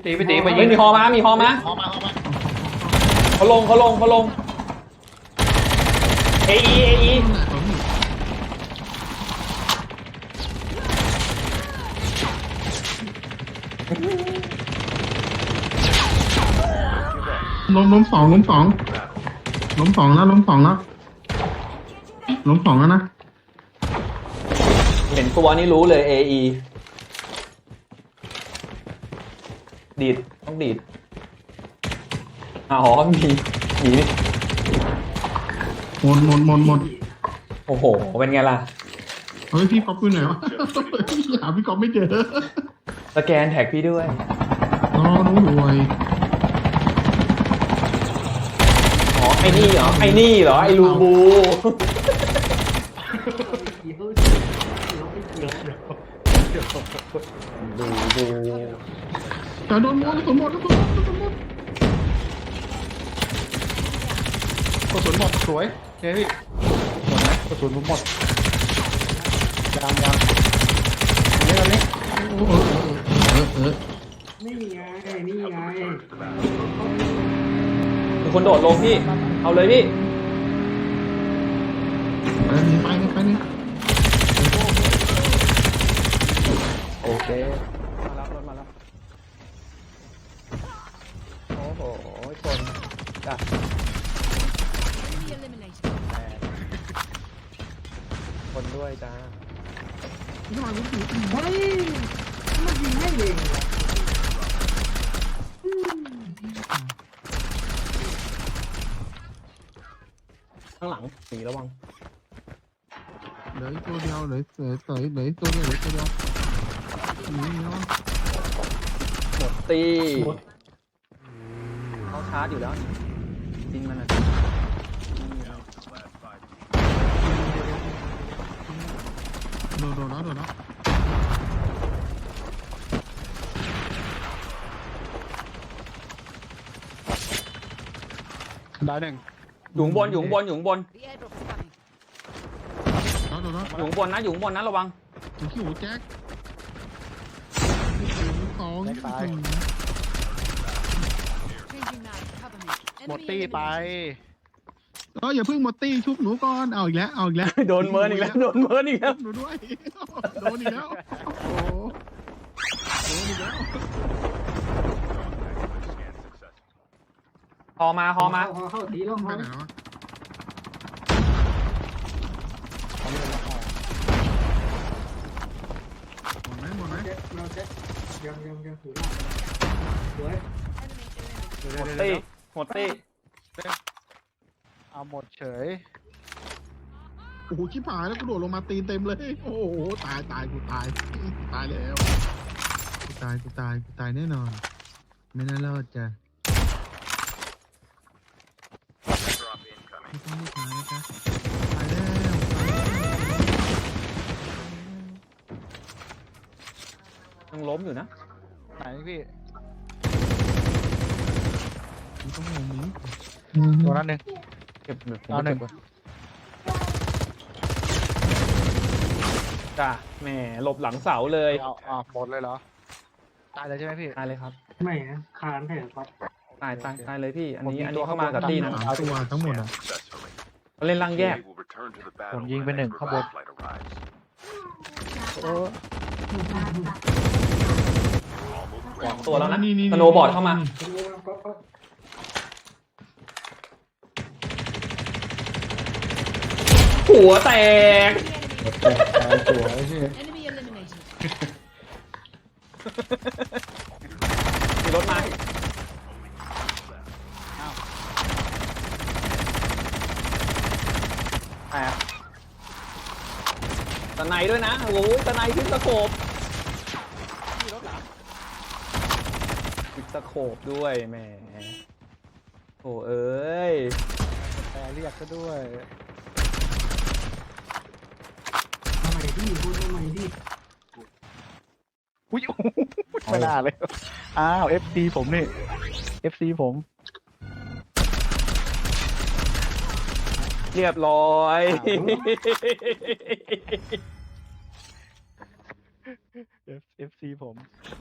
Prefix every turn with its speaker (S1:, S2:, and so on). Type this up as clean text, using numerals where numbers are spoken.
S1: พี่ตีไปยิ
S2: เฮ้ย
S1: ง
S2: มีฮอมามีฮอมา
S3: เข้ามา
S2: เขาลงเอไอ
S3: ล้มสองแล้วล้มสองแล้วนะ
S2: เห็นตัวนี้รู้เลยเอไอดีดต้องดีดอ๋อมีหนี
S3: หมด
S2: โอ้โหเป็นไงล่ะ
S3: เฮ้ยพี่ก๊อฟอยู่ไหนวะหาพี่ก๊อฟไม่เจอ
S2: สแกนแท็กพี่ด้วย
S3: น้องรวย
S2: อ๋อไอ้นี่เหรอไอ้ลูบูดู
S3: แต่โดนหมดกระสุนหมด
S1: กระสุนหมดสวยเฮ้ยพี่หมดไหมกระสุนผมหมดยังนี่ตอนนี้
S4: นี่ไง
S2: มีคนโดดลงพี่เอาเลยพี่
S3: ไปนี่
S2: โอเคมาแล้วรถมาแล้วโอ้โหชนจ้ะ
S5: Enemy eliminated.
S2: คนด้วยจ้า
S4: เฮ้ยมันยิงให้เองเหรอ
S2: ข้างหลังหนีระวัง
S3: เหลือตัวเดียวเหลือตัวเดียวนี่เนาะ
S2: หมดตีเขาชาร์จอยู่แล้วจริงมันอ่ะ
S3: โดนแล้ว
S1: ได้หนึ่ง
S2: อยู่ข้างบน
S5: The airdrop is coming.
S3: โดนแล้ว
S2: อยู่ข้างบนนะระวัง
S3: ขี้หูแจ็คสอง
S5: Changing mag. Cover me.
S1: หมด
S5: Enemy
S1: ตี้ไป
S5: eliminated.
S3: อย่าเพิ่งหมดตีชุบหนูก่อนเอาอีกแล้ว
S2: โดนเมินอีกแล้ว
S3: หนูด้วยโดนอีกแล้วโอ้โดนอีกแล้ว
S2: ฮอมา
S4: เข้าตีแล้ว
S3: ไป
S4: ฮะ
S3: ไหนวะหมดไหม
S4: เราเช็คยังถือได้สวย
S5: Enemy eliminated.
S2: หมดตี
S1: เอาหมดเฉย
S3: โอ้โหชิบหายแล้วกูโดดลงมาตีนเต็มเลย โอ้โหตายกูตายแล้วกูตายแน่นอน ไม่น่ารอดจ้ะไม่ต้องตายนะจ๊ะตายแล้ว
S2: ยังล้มอยู่นะ
S1: ไหนพี่
S3: ไม่ต้องงงนี้
S1: ตัวนั้นหนึ่ง
S2: เก็บแบบ
S1: เอาหนึ่ง
S2: จ้าแหมหลบหลังเสาเลย
S1: เอาหมดเลยเหรอตายเลยใช่ไหมพี่
S2: ตายเลยครับ
S4: ไม่นะคานแผ่ครับ
S2: ตายเลยพี่ อันนี้
S1: ผมมีตัว
S2: เข้ามากับ
S1: ข้างบน
S2: ตีนะ
S3: สามตัวทั้งหมดอ่ะ
S2: เขาเล่นล่างแยก
S1: ผมยิงไปหนึ่งข้างบน
S2: สองตัวแล้วนะสโนว์บอร์ดเข้ามา หัวแตก
S5: Enemy eliminated.
S2: มีรถมาแอบตะไนด้วยนะ โอ้ยตะไนขึ้นสะโขบขึ้นสะโขบด้วยแหมโอ้เอ้ย
S1: แต่เรียกซะด้วย
S4: ทำไมพี่พูดทำไมพี่
S1: อุ้ยไม่น่าเลยอ้าว FC ผมนี่ FC ผม
S2: เรียบร้อย
S1: FC ผม